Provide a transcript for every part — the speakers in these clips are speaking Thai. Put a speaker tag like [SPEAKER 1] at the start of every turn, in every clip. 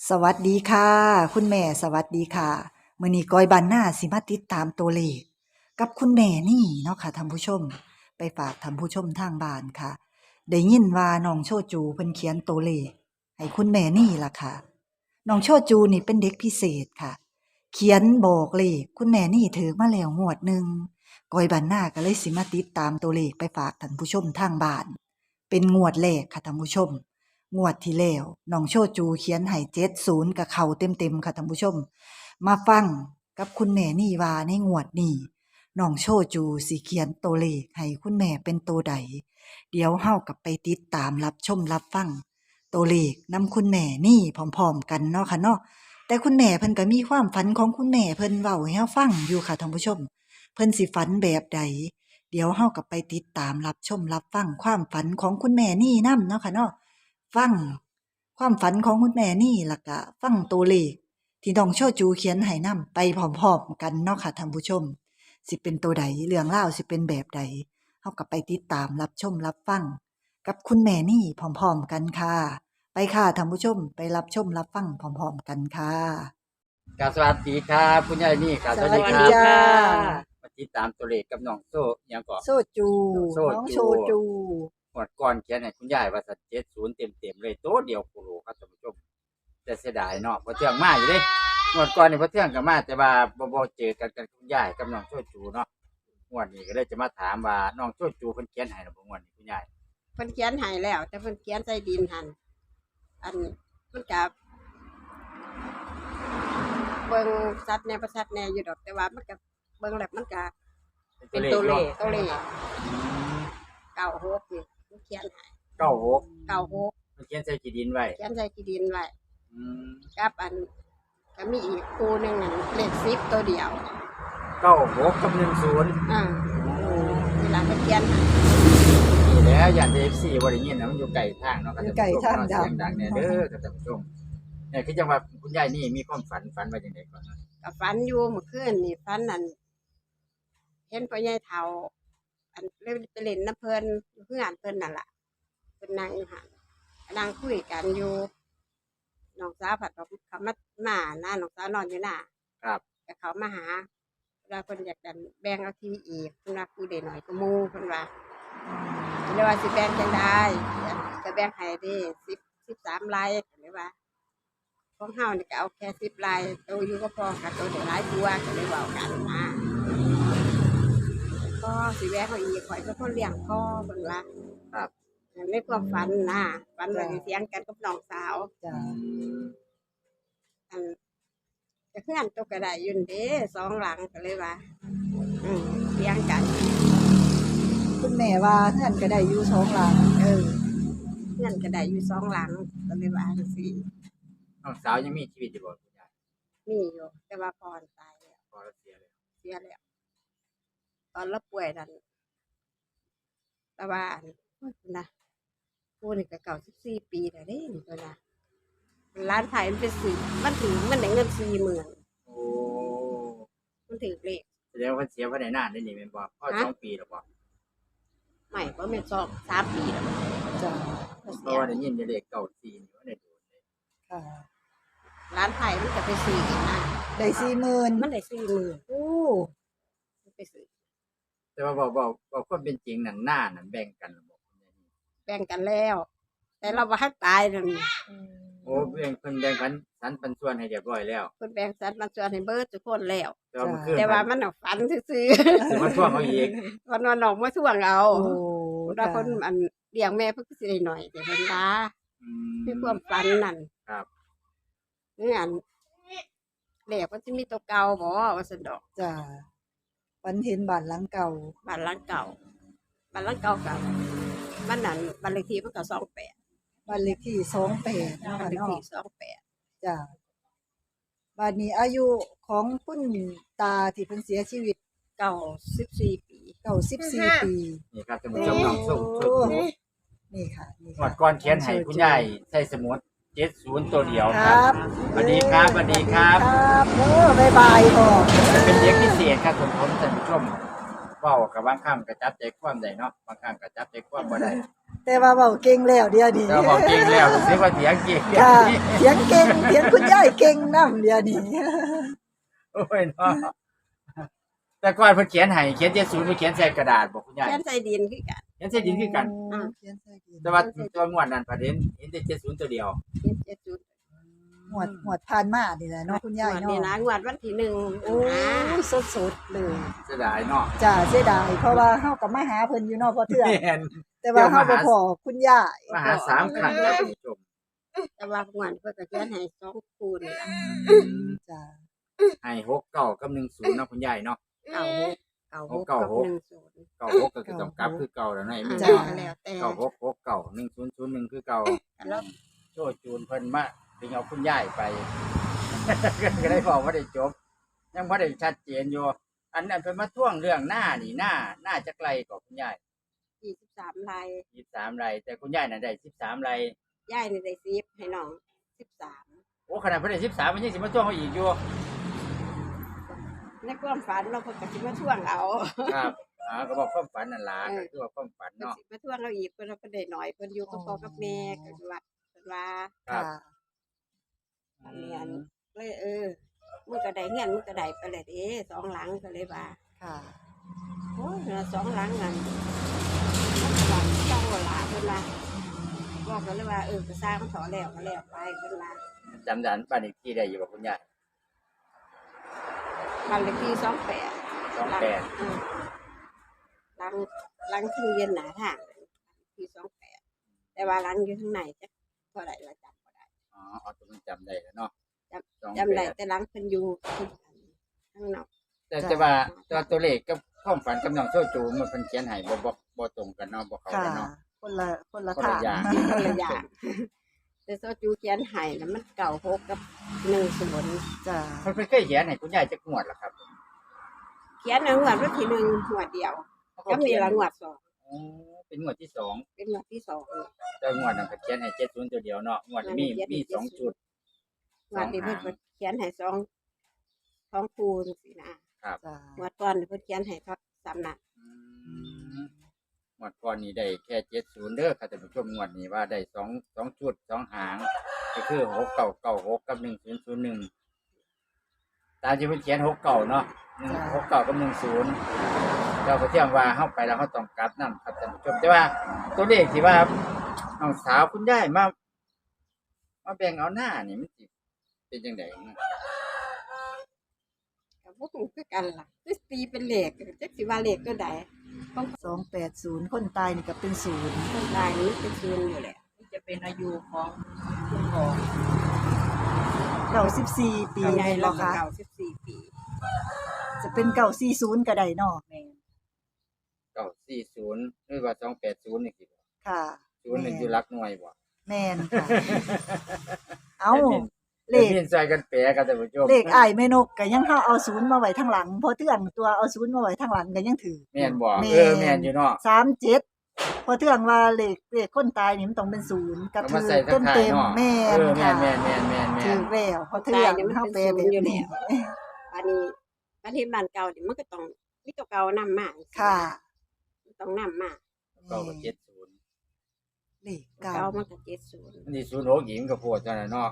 [SPEAKER 1] สวัสดีค่ะคุณแม่สวัสดีค่ะมื้อนี้ก้อยบ้านนาสิมาติดตามตัวเลขกับคุณแม่นี่เนาะค่ะท่านผู้ชมไปฝากท่านผู้ชมทางบ้านค่ะได้ยินว่าน้องโชจูเพิ่นเขียนตัวเลขให้คุณแม่นี่ล่ะค่ะน้องโชจูนี่เป็นเด็กพิเศษค่ะเขียนบอกเลขคุณแม่นี่ถือมาแล้วงวดหนึ่งก้อยบ้านนาก็เลยสิมาติดตามตัวเลขไปฝากท่านผู้ชมทางบ้านเป็นงวดแรกค่ะท่านผู้ชม งวดที่แล้วน้องโชจูเขียนให้70กับเขาเต็มๆค่ะท่านผู้ชมมาฟังกับคุณแม่นี่ว่าในงวดนี้น้องโชจูสิเขียนตัวเลขให้คุณแม่เป็นตัวใดเดี๋ยวเฮากับไปติดตามรับชมรับฟังตัวเลขนำคุณแม่นี่พร้อมๆกันเนาะค่ะเนาะแต่คุณแม่เพิ่นก็มีความฝันของคุณแม่เพิ่นเว้าให้เฮาฟังอยู่ค่ะท่านผู้ชมเพิ่นสิฝันแบบใดเดี๋ยวเฮากับไปติดตามรับชมรับฟังความฝันของคุณแม่นี่นำเนาะค่ะเนาะ ฟังความฝันของคุณแม่นี่ล่ะก็ฟังตัวเลขที่น้องโชจูเขียนให้นำไปพร้อมๆกันเนาะค่ะท่านผู้ชมสิเป็นตัวใดเรื่องราวสิเป็นแบบใดเฮาก็ไปติดตามรับชมรับฟังกับคุณแม่นี่พร้อมๆกันค่ะไปค่ะท่านผู้ชมไปรับชมรับฟังพร้อมๆกันค่ะ
[SPEAKER 2] ครับสวัสดีครับคุณยายนี่ครับ
[SPEAKER 1] ส
[SPEAKER 2] สวัส
[SPEAKER 1] วัส
[SPEAKER 2] ดี
[SPEAKER 1] ดี
[SPEAKER 2] ครับ
[SPEAKER 1] จ้า
[SPEAKER 2] มาติดตามตัวเลขกับน้องโซ่ยังก่อน
[SPEAKER 1] โชจู
[SPEAKER 2] โชจู
[SPEAKER 1] น้องโชจู
[SPEAKER 2] หมดก่อนเขียนให้คุณยายว่าสัตว์70เต็มๆเลยโต๊ะเดียวโคโลครับท่านผู้ชมแต่เสียดายเนาะเพราะเที่ยงมาอยู่เด้หมดก่อนนี่เพราะเที่ยงก็มาแต่ว่าบ่เจอกันกับคุณยายกับน้องโชจูเนาะงวดนี้ก็เลยจะมาถามว่าน้องโชจูเพิ่นเขียนให้หรือบ่งวดนี้คุณยาย
[SPEAKER 3] เพิ่นเขียนให้แล้ว แต่เพิ่นเขียนใส่ดินหันอันมันกับเบิ่งสัตว์แหน่บ่สัตว์แหน่อยู่ดอกแต่ว่ามันก็เบิ่งแล้วมันก็เป็นตัวเลข96นี่มันเขียนให้
[SPEAKER 2] 96
[SPEAKER 3] 96
[SPEAKER 2] มันเขียนใส่กี่ดินไว้
[SPEAKER 3] เขียนใส่ที่ดินไว้
[SPEAKER 2] อืม
[SPEAKER 3] กับอันก็มีอีกคู่หนึงนั่นเลข10ตัวเดียว
[SPEAKER 2] 96กับ10
[SPEAKER 3] เวลาเพิ่นเขียนให้
[SPEAKER 2] นี่แหล้วอย่าง FC บ่ได้ยินนะมันอยู่ไกลทางเนาะครับ
[SPEAKER 1] อยู่ไกลทาง
[SPEAKER 2] เสียงดังแน่เด้อครับท่านผู้ชมเนี่ยคือจังว่าคุณยายนี่มีความฝันว่าจังไดก่อนนะ
[SPEAKER 3] ก็ฝันอยู่เมื่อคืนนี่ฝันนั่นเห็นพ่อใหญ่เฒ่าอันเล่นไปเล่นน้ำเพิ่นอยู่เพื่อนเพิ่นนั่นล่ะเพิ่นนั่งอยู่หั่นนั่งคุยกันอยู่น้องสาวผัดเขามาหน้าน้องสาวนอนอยู่หน้า
[SPEAKER 2] ครับ
[SPEAKER 3] แต่เขามาหาเวลาเพิ่นอยากดันแบ่งเอาทีอีกเพิ่นว่าคือได้หน่อยก็หมู่เพิ่นว่าเพิ่นเลยว่าสิแบ่งจังได๋ก็แบ่งให้เด้13ไร่ก็เลยว่าของเฮานี่ก็เอาแค่10ไร่โตอยู่ก็พอค่ะโตได้หลายตัวก็เลยเว้ากันนะก็สิแบ่งเขาอีกข่อยเป็นคนเลี้ยงพ่อเพิ่นว่า
[SPEAKER 2] ครับ
[SPEAKER 3] ในความฝันนะฝันว่าสิเถียงกันกับน้องสาว
[SPEAKER 1] จ้า
[SPEAKER 3] อันก็เพื่อนตกกระไดอยืนเด้สองหลังก็เลยว่าเถียงกัน
[SPEAKER 1] คุณแม่ว่าเฮือนก็ได้อยู่สองหลัง
[SPEAKER 3] เพื่อนกระไดอยู่สองหลังก็เลยว่าจังซี่
[SPEAKER 2] น้องสาวยังมีชีวิตอยู่บ่คุณยาย
[SPEAKER 3] มีอยู่แต่ว่าพรตายแล้ว
[SPEAKER 2] พอแล้วเสียแล้ว
[SPEAKER 3] เสียแล้วตอนเราป่วยนั่นแต่ว่าอันโอ้ยนะผู้นี่ก็94ปีแล้วเด้นี่ก็นะร้านขายมันเป็นสี่มันถึงมันได้เงิน40,000
[SPEAKER 2] โอ้
[SPEAKER 3] มันถือเลข
[SPEAKER 2] แสดงว่าเพิ่นเสียบ่ได้นานได้นี่แม่นบ่พอ
[SPEAKER 3] ฮะ
[SPEAKER 2] 2 ปีแล้วบ่
[SPEAKER 3] ใหม่ก็เป็น3 ปีแล้ว
[SPEAKER 1] จ้า
[SPEAKER 2] เพราะว่าได้ยินอยู่เลข94นี่ว่าได้โดนเลย
[SPEAKER 1] ค่ะ
[SPEAKER 3] ร้านไทยมันจะไปซื้อนะ
[SPEAKER 1] ได้40,000
[SPEAKER 3] มันได้40,000
[SPEAKER 1] โอ้
[SPEAKER 3] มันไปซื้อ
[SPEAKER 2] แต่ว่าบ่ความเป็นจริงนั่นหน้านั่นแบ่งกันแล้วบ่คุณยายนี่
[SPEAKER 3] แบ่งกันแล้ว แต่เราว่าให้ตายนั่น
[SPEAKER 2] โอ้เพิ่นแบ่งสันปันส่วนให้เรียบร้อยแล้ว
[SPEAKER 3] เพิ่นแบ่งสรรปันส่วนให้เบิดทุกคนแล้ว
[SPEAKER 2] แต่ว่าเมื่อคืน
[SPEAKER 3] แต่ว่ามันน่ะฝันซื่อ
[SPEAKER 2] สิมาทวงเอาอีก
[SPEAKER 3] ๆ วันน้องมาทวงเอา
[SPEAKER 1] โอ้
[SPEAKER 3] แล้วคนอันเลี้ยงแม่เพิ่นก็สิได้หน่อยแต่เพิ่นว่า
[SPEAKER 2] อื
[SPEAKER 3] คือความฝันนั่น
[SPEAKER 2] ครับ
[SPEAKER 3] นี่อันเลขมันสิมีตัวเก่าบ่ว่าซั่นดอก
[SPEAKER 1] จ้าฝันเห็นบ้านหลังเก่า
[SPEAKER 3] บ้านหลังเก่าบ้านหลังเก่ากับมันนั่นบ้านเลขที่มันก็28
[SPEAKER 1] บ้านเลขที่28เนาะ
[SPEAKER 3] บ้าน
[SPEAKER 1] ค่ะ
[SPEAKER 3] เลข
[SPEAKER 1] เนาะ
[SPEAKER 3] ที่28
[SPEAKER 1] จ้าบ้านนี้อายุของคุณตาที่เพิ่นเสียชีวิต
[SPEAKER 3] 94 ปี
[SPEAKER 1] 94ปี
[SPEAKER 2] นี่ครับท่านผู้ชมน้องส้ม
[SPEAKER 1] โอ้
[SPEAKER 2] ชุด
[SPEAKER 1] นี่ค่ะนี่
[SPEAKER 2] หม
[SPEAKER 1] ค่ะ
[SPEAKER 2] ดก่อนเขียนให้คุณยายใส่สมุด70ตัวเดียว
[SPEAKER 1] ค
[SPEAKER 2] ค
[SPEAKER 1] รั
[SPEAKER 2] รับ บสวัสดีครับสวัสดีครับ
[SPEAKER 1] ครับบ๊ายบายพ่อ
[SPEAKER 2] จะเป็นเด็กพิเศษครับผมท่านผู้ชมเว้ากับบางครั้งก็จับใจความได้เนาะบางครั้งก็จับใจความบ่ได้
[SPEAKER 1] แต่ว่าเว้าเก่งแล้วเดี๋ยวนี้
[SPEAKER 2] เราบอกเก่งแล้วรู้สึกว่าเถียงเก่ง
[SPEAKER 1] ค่ะเถียงเก่งเถียงคุณยายเก่งนำเดี๋ยวนี้
[SPEAKER 2] โอ้ยเนาะแต่ก่อนเพิ่นเขียนให้เขียน70เพิ่นเขียนใส่กระดาษบอกคุณยาย
[SPEAKER 3] เขียนใส่ดินคือกัน
[SPEAKER 2] เขียนใส่ดินคือกัน
[SPEAKER 1] เขียนใส่ดิน
[SPEAKER 2] แต่ว่าตัวงวดนั้นประเด็นเห็นแต่70ตัวเดียว
[SPEAKER 3] เขียน70
[SPEAKER 1] หมวดผ่านมานี่แหละเนาะคุณยาย
[SPEAKER 3] งวดนี่
[SPEAKER 1] เนาะ
[SPEAKER 3] นะงวดวันที่1
[SPEAKER 1] โอ้ยสดๆเลย
[SPEAKER 2] เสียดายเนาะ
[SPEAKER 1] จ้าเสียดายเพราะว่าเฮาก็มาหาเพิ่นอยู่เนาะพอเทื่อ
[SPEAKER 2] แม่น
[SPEAKER 1] แต่ว่าเฮาบ่พอคุณยาย
[SPEAKER 2] มาหา3ครั้งแล้วคุณผู้ชม
[SPEAKER 3] แต่ว่างวดเพิ่นก็เขียนให้2คูณนี่ล่ะ
[SPEAKER 1] จ้า
[SPEAKER 2] ให้69กับ10เนาะคุณยายเนาะ
[SPEAKER 3] 96กับ10
[SPEAKER 2] 96ก็คือต้องกลับคือเก่าแล้วเนาะไอ้แม่
[SPEAKER 3] จ้าแล้วแต่
[SPEAKER 2] 9669 1001คือเก่า
[SPEAKER 3] แล้ว
[SPEAKER 2] โชจูนเพิ่นมาถึงเอาคุณยายไป ก็ได้บอกว่าได้จบ ยังบ่ได้ชัดเจนอยู่อันนั้นเพิ่นมาท่วงเรื่องหน้านี่หน้าจักไรก็คุณยาย
[SPEAKER 3] 23ไร่
[SPEAKER 2] 23ไร่แต่คุณยายน่ะได้13ไร่
[SPEAKER 3] ยายนี่ได้10ให้น้อง13
[SPEAKER 2] โอ้ขนาดเพิ่นได้13มันยังสิมาท่วงเขาอีกอยู่
[SPEAKER 3] ในความฝันเราเพิ่นก็สิมาทวงเอา
[SPEAKER 2] ครับก็บอกความฝันนั่นล่ะก็คือว่าความฝัน
[SPEAKER 3] เพิ่น
[SPEAKER 2] เนาะ
[SPEAKER 3] สิมาทวงเราอีกเพิ่นเราก็ได้น้อยเพิ่นอยู่กับพ่อกับแม่ก็คือว่าเพิ่นว่า
[SPEAKER 2] ครับ
[SPEAKER 1] ค่ะ
[SPEAKER 3] อันนี้อันเลยมึงก็ได้เงินมึงก็ได้ไปเลยเด้2หลังก็เลยว่า
[SPEAKER 1] ค่ะ
[SPEAKER 3] โอ้ย2หลังนั่นมันก็ว่าเจ้าหลาเพิ่นว่าบอกกันเลยว่าก็สร้างมันถอแล้วก็แล้วไปเพิ่นว่า
[SPEAKER 2] จำได้บ้านอีกที่ได้อยู่บ่คุณยาย
[SPEAKER 3] บ้านเลขที่28
[SPEAKER 2] 28
[SPEAKER 3] หลังที่เย็นหนาทางที่28แต่ว่าหลังอยู่ข้างในจักเท่าไหร่ละจำบ่ได้
[SPEAKER 2] เอาตัวมันจำได้แล้วเนาะ
[SPEAKER 3] จำได้แต่หลังเพิ่นอยู่ข้างนอก
[SPEAKER 2] แต่ว่าตัวเลขกับความฝันกับน้องโชจูมันเพิ่นเขียนให้บ่ตรงกันเนาะบ่เข้า
[SPEAKER 1] ค่ะ
[SPEAKER 2] กันเนาะ
[SPEAKER 1] คนละ
[SPEAKER 2] คนละ
[SPEAKER 1] ทาง
[SPEAKER 2] อย่าง
[SPEAKER 3] คนละอย่างแต่โซจูเขียนให้น่ะมัน96กับ10
[SPEAKER 1] จ้า
[SPEAKER 2] เพิ่นเคยเขียนให้คุณยายจักงวดล่ะครับ
[SPEAKER 3] เขียนในงวดวันที่1งวดเดียวก็มีละงวด2
[SPEAKER 2] อ๋อเป็นงวดที่สอง
[SPEAKER 3] เป็นงวดที่2
[SPEAKER 2] แต่งวดนั้นก็เขียนให้70ตัวเดียวเนาะงวดนี้มี2จุด
[SPEAKER 3] งวดนี้เพิ่นก็เขียนให้2คูณสินะครับ
[SPEAKER 1] จ้าง
[SPEAKER 3] วดก่อนเพิ่นเขียนให้ครับ3นัด
[SPEAKER 2] งวดก่อนนี้ได้แค่70เด้อค่ะท่านผู้ชมงวดนี้ว่าได้2จุด2หางก็คือ6996กับ1001ตามที่เพิ่นเขียน69เนาะ69กับ10เราก็เที่ยงว่าเฮาไปแล้วเฮาต้องกลับนำครับท่านผู้ชมแต่ว่าตัวเลขที่ว่าน้องสาวคุณยายมาแบ่งเอาหน้านี่มันสิเป็นจังได๋
[SPEAKER 3] ก็บ่ฮู้คือกันล่ะคือตีเป็นเลขจักสิว่าเลขตัวใดของ
[SPEAKER 1] 280คนตายนี่ก็เป็นศูนย์
[SPEAKER 3] คนตายนี่เป็นศูนย์อยู่แหละ
[SPEAKER 4] จะเป็นอายุของคุณพ่อ
[SPEAKER 1] 94ปี
[SPEAKER 3] ใหญ่
[SPEAKER 1] แม่น
[SPEAKER 3] เรา
[SPEAKER 1] บ่
[SPEAKER 3] ก็
[SPEAKER 1] คะ
[SPEAKER 3] 94ปี
[SPEAKER 1] จะเป็น940ก็ได้เนาะ
[SPEAKER 4] แม่
[SPEAKER 2] 940หรือว่า280นี่สิ
[SPEAKER 1] ค่ะ
[SPEAKER 2] ศูนย์นี่อยู่หลักหน่วยบ่
[SPEAKER 1] แม่นค่ะ เอ้าเลข
[SPEAKER 2] เล่นใส่กันแปรกันท่านผู้ชม
[SPEAKER 1] เลขอ้ายแม่นกก็ยังเฮาเอาศูนย์มาไว้ทางหลังพอเทื่องตัวเอาศูนย์มาไว้ทางหลังก็ยังถือ
[SPEAKER 2] แม่นบ่
[SPEAKER 1] แม่น
[SPEAKER 2] แม่นอยู่เนาะ
[SPEAKER 1] 37พอเทื่องว่าเลขคนตายนี่มันต้องเป็นศูนย์ก็
[SPEAKER 2] เอา
[SPEAKER 1] ถื
[SPEAKER 2] มา
[SPEAKER 1] อ
[SPEAKER 2] ใส่ทางท้าย
[SPEAKER 1] เต็ม
[SPEAKER 2] เนาะ
[SPEAKER 1] ๆแม่
[SPEAKER 2] เอน อ
[SPEAKER 1] ค่ะ
[SPEAKER 2] แม่นๆๆ
[SPEAKER 1] ถือแล้วพอเทื่องเฮาแปลแบบนี้
[SPEAKER 3] อันนี้ประเทศบ้านเก่านี่มันก็ต้องมีตัวเก่านำมา
[SPEAKER 1] ค่ะ
[SPEAKER 3] ต้องนำมา
[SPEAKER 2] ๆก็70
[SPEAKER 1] เลขเก่า
[SPEAKER 3] เก่ามันก็70
[SPEAKER 2] อันนี้06หญิงก็โพดเท่านั้นเนาะ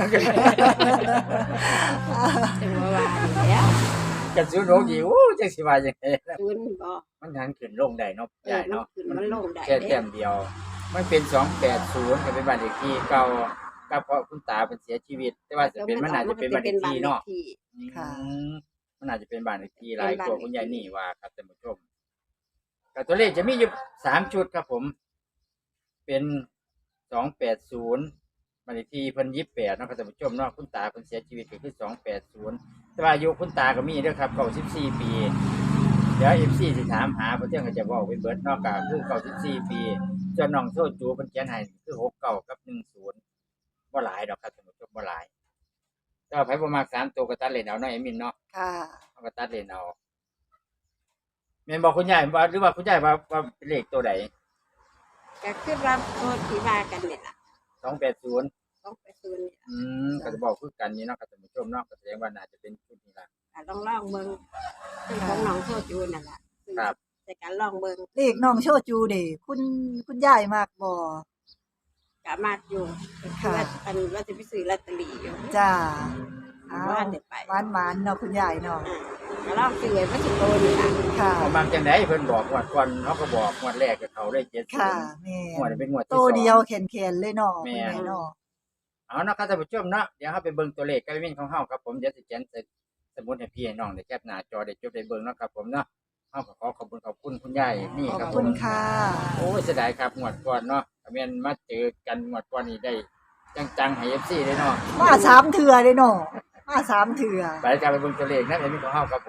[SPEAKER 3] จังว่าแล้ว
[SPEAKER 2] กัน06หญิงโอ้จังสิว่าจังได๋
[SPEAKER 3] ศูนย์บ่
[SPEAKER 2] มันหันขึ้นลงได้เนาะใหญ่
[SPEAKER 3] มัน
[SPEAKER 2] เนาะ
[SPEAKER 3] ขึ้นมันลงได้
[SPEAKER 2] แค่
[SPEAKER 3] เด้
[SPEAKER 2] แต้มเดียว มันเป็น280ก็เป็นบ้านเลขที่เก่ากับเพราะคุณตาเพิ่นเสียชีวิต แต่ว่าจะเป็นมันน่าจะเป็นบ้านเลขที่เนาะ
[SPEAKER 1] ค่ะ
[SPEAKER 2] มันอาจจะเป็นบ้านเลขที่หลายตัวคุณยายนี่ว่าครับท่านผู้ชมก็ตัวเลขจะมีอยู่3ชุดครับผม เป็น280บ้านเลขที่เพิ่น28เนาะครับท่านผู้ชมเนาะคุณตาเพิ่นเสียชีวิตก็คือ280แต่ว่าอายุคุณตาก็มีเด้อครับ94ปีเดี๋ยว FC สิถามหาเพิ่นเที่ยงก็จะเว้าไปเบิดเนาะก็คือ94ปีส่วนน้องโซจูเพิ่นเขียนให้คือ69กับ10บ่หลายดอกครับท่านผู้ชมบ่หลายแต่ว่าไผบ่มัก3ตัวก็ตัดเล่นเอาเนาะเอมินเนาะ
[SPEAKER 1] ค่ะ
[SPEAKER 2] เอาก็ตัดเลนเอาแม่นบอกคุณยายว่าหรือว่าคุณยายว่าเป็นเลขตัวใด
[SPEAKER 3] ก็คือว่าตัวที่ว่ากันนี่ล่ะ
[SPEAKER 2] 280
[SPEAKER 3] ต้องไปศูนย์นี่ล่ะ
[SPEAKER 2] ก็จะบอกคือกันนี่เนาะครับท่านผู้ชมเนาะก็แสดงว่าน่าจะเป็นชุดนี้ล่ะ
[SPEAKER 3] ลองเบิ่งซึ่งของน้องโซจูนั่นล่ะ
[SPEAKER 2] ครับ
[SPEAKER 3] แต่การลองเบิ่ง
[SPEAKER 1] เลขน้องโชจูเด้คุณยายมากบ่
[SPEAKER 3] ก็มากอยู่ก็คือว่าอันว่าจะไปซื้อลอตเตอรี่อยู่
[SPEAKER 1] จ้า
[SPEAKER 3] ว่าได้ไป
[SPEAKER 1] หวานๆเนาะคุณยายเนาะ
[SPEAKER 3] ก็ลองซื้อไว้บ่สิโตนี่ล่ะ
[SPEAKER 1] ค่ะ
[SPEAKER 2] เอาบางจังไดเพิ่นบอกงวดก่อนเขาก็บอกงวดแรกกับเขาได้70
[SPEAKER 1] ค่ะแม่
[SPEAKER 2] งวดนี้เป็นงวดที่
[SPEAKER 1] โต
[SPEAKER 2] สอง
[SPEAKER 1] เดียวแขนๆเลยเนาะ
[SPEAKER 2] แม่
[SPEAKER 1] คุณแม่เนาะ
[SPEAKER 2] เอาเนาะครับท่านผู้ชมเนาะเดี๋ยวเราไปเบิ่งตัวเลขกันวินของเฮาครับผมเดี๋ยวสิเขียนใส่สมุดให้พี่ให้น้องได้แคปหน้าจอได้จดได้เบิ่งเนาะครับผมเนาะเฮาก็ขอบคุณคุณยายนี่
[SPEAKER 1] ขอบ
[SPEAKER 2] ครับผ
[SPEAKER 1] คุ
[SPEAKER 2] ม
[SPEAKER 1] ณค่ะ
[SPEAKER 2] โอ้ยเสียดายครับงวดก่อนเนาะถ้าแม่นมาเจอกันงวดก่อนนี่ได้จังๆให้ FC ได้เนาะ
[SPEAKER 1] มาสามเถื่อเลยเนาะมาสามเถื่อ
[SPEAKER 2] ไปกันไปเบิ่งตัวเลขนะเดี๋ยวมีของเฮาครับผม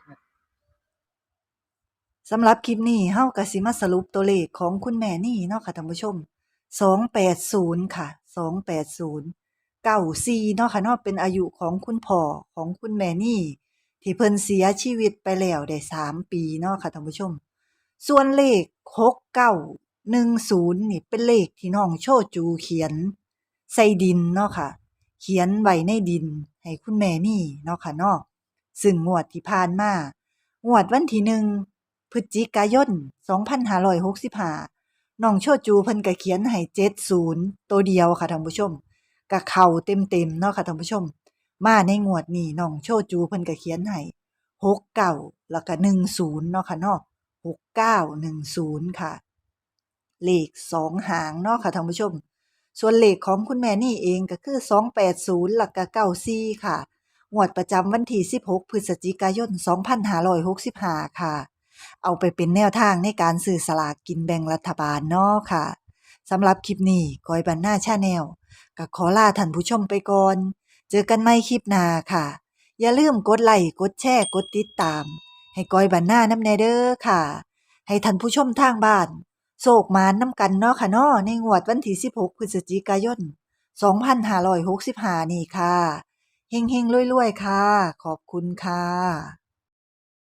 [SPEAKER 1] สำหรับคลิปนี้เฮาก็สิมาสรุปตัวเลขของคุณแม่นี่เนาะค่ะท่านผู้ชม 280 ค่ะ 280 94เนาะค่ะเนาะเป็นอายุของคุณพ่อของคุณแม่นี่ ที่เพิ่นเสียชีวิตไปแล้วได้3 ปีเนาะค่ะท่านผู้ชม ส่วนเลข 6910 นี่เป็นเลขที่น้องโชจูเขียน ใส่ดินเนาะค่ะ เขียนไว้ในดินให้คุณแม่นี่เนาะค่ะเนาะซึ่งงวดที่ผ่านมางวดวันที่1 พฤศจิกายน 2565น้องโชจูเพิ่นก็เขียนให้70ตัวเดียวค่ะท่านผู้ชมก็เข้าเต็มๆเนาะค่ะท่านผู้ชม มาในงวดนี้น้องโชจูเพิ่นก็เขียนให้69แล้วก็10เนาะค่ะเนาะ6910ค่ะ เลข2หางเนาะค่ะท่านผู้ชม ส่วนเลขของคุณแม่นี่เองก็คือ280แล้วก็94ค่ะงวดประจำวันที่16 พฤศจิกายน 2565ค่ะ เอาไปเป็นแนวทางในการซื้อสลากกินแบ่งรัฐบาลเนาะค่ะสำหรับคลิปนี้ก้อยบันหน้าชาแนลก็ขอลาท่านผู้ชมไปก่อน เจอกันใหม่คลิปหน้าค่ะ อย่าลืมกดไลค์กดแชร์กดติดตาม ให้ก้อยบันหน้านำแน่เด้อค่ะ ให้ท่านผู้ชมทางบ้านโศกมานนำกันเนาะค่ะเนาะในงวดวันที่16 พฤศจิกายน 2565 นี่ค่ะเฮงๆรวยๆค่ะ ขอบคุณค่ะ